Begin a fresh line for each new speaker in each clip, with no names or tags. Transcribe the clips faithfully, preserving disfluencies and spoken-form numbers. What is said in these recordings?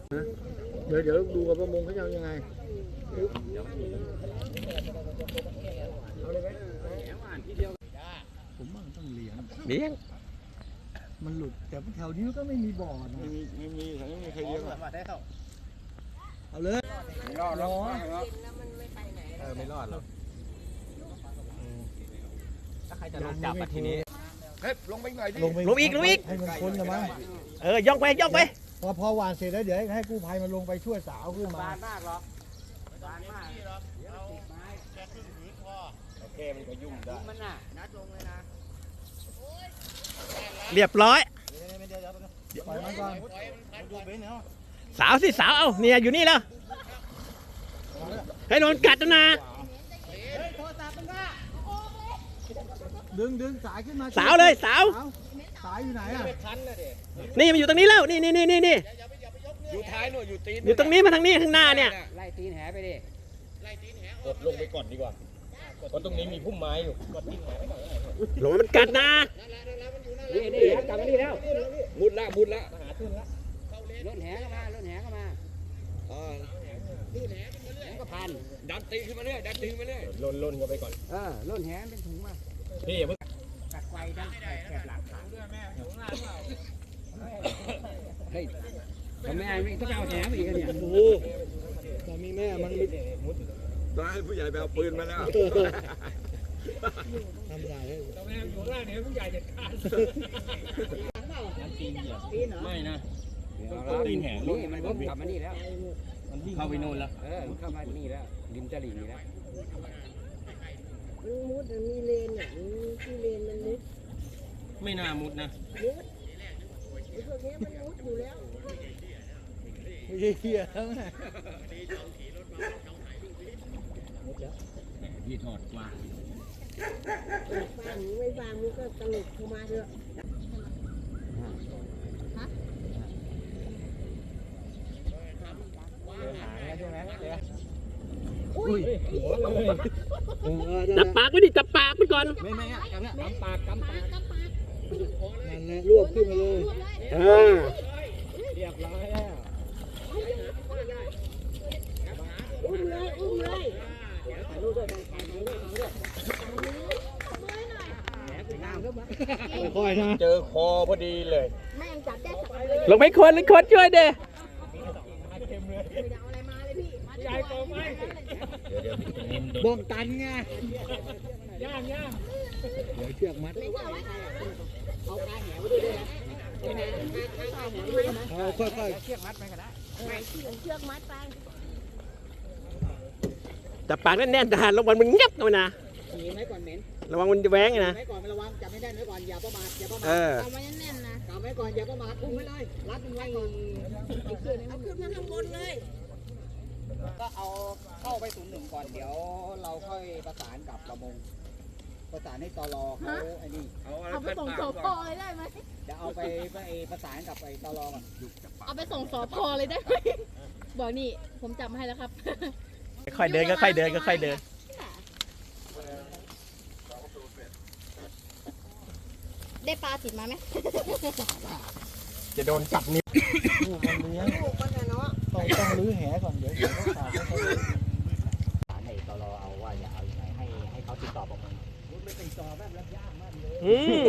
เดี๋ยวเดี๋ยวดูกับประมงเขาจะยังไงผมว่ามันต้องเลี้ยงเลี้ยงมันหลุดแต่แถวนี้ก็ไม่มีบ่อนะไม่มีไม่มีแถวนี้ไม่มีใครเลี้ยงเอาเลยไม่รอดหรอกเออไม่รอดหรอกถ้าใครจะลงจับมาทีนี้เฮ้ยลงไปหน่อยดิลงอีกลงอีกให้มันพ้นนะมั้งเออย่องไปย่องไปพอพอหวานเสร็จแล้วเดี๋ยวให้กู้ภัยมาลงไปช่วยสาวขึ้นมาบานมากหรอกบานมากเอาติดไม้แค่ครึ่งผืนพอโอเคมันก็ยุ่งได้มันน่ะนัดลงเลยนะเรียบร้อยปล่อยมันก่อนสาวสิสาวเอาเนี่ยอยู่นี่แล้วให้โดนกัดนะดึงดึงสายขึ้นมาสาวเลยสาวสายอยู่ไหนอ่ะนี่มันอยู่ตรงนี้แล้วนี่นี่นี่นี่นี่อยู่ท้ายหน่อยอยู่ตีนอยู่ตรงนี้มาทางนี้ข้างหน้าเนี่ยไล่ตีนแหไปดิไล่ตีนแหกดลงไปก่อนดีกว่าเพราะตรงนี้มีพุ่มไม้อยู่กดตีนแหไปก่อนลงมันกัดนะนี่นี่กลับมานี่แล้วมุดละมุดละหาขึ้นละล้นแหเข้ามาล้นแหเข้ามาอ๋อล้นแหแหก็พันดันตีขึ้นมาเรื่อยดันตีขึ้นมาเรื่อยล้นล้นกันไปก่อนเออล้นแหเป็นถุงมาพี่อย่าเพิ่งกัดไฟดันแคบหลังขาด้วยแม่ถุงหน้าเปล่าเฮ้ยทำไมไม่ต้องเอาแหนไปอีกเนี่ยโอ้โหแต่มีแม่มันไม่มุดตอนให้ผู้ใหญ่ไปเอาปืนมาแล้วทำได้เลยตอนแม่อยู่ล่างเนี่ยผู้ใหญ่จะฆ่ามันตีนเหรอไม่นะตีนแหงนี่มันกลับมานี่แล้วมันเข้าไปโน่นแล้วเออเข้ามานี่แล้วริมตลิ่งนี่แล้ว
มันมุดมันมีเลนอ่ะที่เลนมันมุด
ไม่น่ามุดนะ
มุดไอ้พวกนี้มันมุดอยู่แล้ว
ไม่ใช่เหี้ยทั้งนั้น
พี่ถอดกว่า
ฟังไม่ฟังมันก็ตลกเข้ามาเถอะ
จับปากไว้ดิจับปากมันก่อน
ไม่ไม่อ่ะจับเนี่ยกำปากกำปาก
นั่นแหละรวบขึ้นมาเลยอ่า
เรียบร้อยแล้ว
อุ้มเลยอุ้มเลย
ถ่ายรูปด้วยถ่ายรูปด้วยถ่ายรูปด้วย
ค่อยๆนะ
เจอคอพอดีเลย
แม่งจับได้สอง
เลยลงไปคนลงคนช่วยเด้บ้องตันไงย่างย่างเดี๋ยวเชือกมัด
เอาปลาแหวด้วยนะ
เอาค่อยๆ
เชือกมัดไปก็ได้
ไม่เชือกเชือกมัดไป
จับปากแน่นๆแต่ระวังมันงับเข้ามานะ
หนีไว้ก่อนเหม็น
ระวังมันจะแหวงนะ
ไว้ก่อนระวังจับไม่ได้ไว้ก่อนอย่าประมาทอย่าประมาท
เอา
ไว้แน่นๆนะจับไว้ก่อนอย่าประมาทอุ้มไว้เลยรัดมันไว้เอาขึ้นเอาขึ้นมาข้างบนเลย
ก็เอาเข้าไปศูนย์หนึ่งก่อนเดี๋ยวเราค่อยประสานกับประมงประสานให้ตลเขาไอ้นี่
เอาไปส่งสพเลยได้ไหม
เดี๋ยวเอาไปไปประสานกับไอ้ตลก่อน
เอาไปส่งสพเลยได้ไหมบอกนี่ผมจับให้แล้วครับ
ค่อยเดินก็ค่อยเดินก็ค่อยเดิน
ได้ปลาติดมาไหม
จะโดนจับนิ้วมันเลี้ยง
ลูกมันเนาะ
ต้องต้องลื้อแหก่อนเดี๋ยวเดี๋ยวเขาขาดให้เขา
สารให้ตลเอาว่าจะเอายังไงให้ให้เขาติดต่อประมงมันไม่ติดต่อแบบรับยากมากเลย
อืม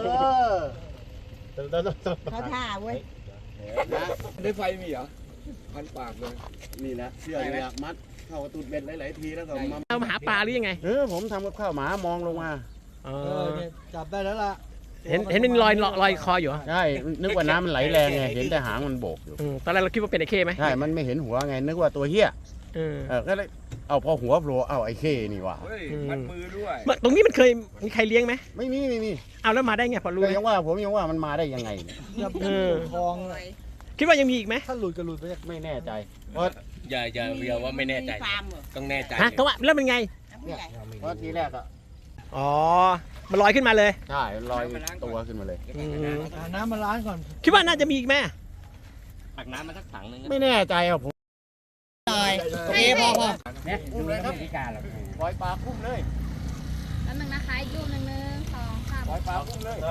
เขาท่าเว้ย
ได้ไฟมีเหรอพันปากเลย
นี่แหละเชื่อเลยมัดเข้าตูดเบ็ดหลายๆทีแล้วก็มา
เอามาหาปลาหรือยังไง
เออผมทำกับข้าวหมามองลงมา
เออจับได้แล้วล่ะเห็นเห็นมันลอยลอยคออยู่
ใช่นึกว่าน้ำมันไหลแรงไงเห็นแต่หางมันโบกอยู่
ตอนแรกเราคิดว่าเป็นไอ้เข้ไหม
ใช่มันไม่เห็นหัวไงนึกว่าตัวเหี้ย
เออ
ก็เลยเอาพอหัวโผล่เอาไอ้เข้นี่ว่ะ
มัดมือด้วย
ตรงนี้มันเคยมีใครเลี้ยงไหม
ไม่มีไม่มี
เอาแล้วมาได้ไงพอรู้
ยังว่าผมยังว่ามันมาได้ยังไง
เนี่ยทองคิดว่ายังมีอีกไหมถ้าหลุดก็หลุดไป
ไม่แน่ใจเพราะ
อย่าอย่าเรียกว่าไม่แน่ใจต้องแน่ใจ
ฮะก็ว่าแล้วเป็นไง
เพราะทีแรกอะ
อ๋อมันลอยขึ้นมาเลย
ใช่ลอยตัวขึ้นมาเลย
น้ำมาล้างก่อนคิดว่าน่าจะมีอีกไหม
ตักน้ำมาสักถังนึง
ไม่แน่ใจอ่ะผม
โอเคพอพอ
เนี่ยอุ้มเลยครับ
ปล่อยปลาคุ้มเลย
แล้วนึงนะคะอีกรูปหนึ่งหนึ่งสองสาม
ปล่อยปลาคุ้มเลย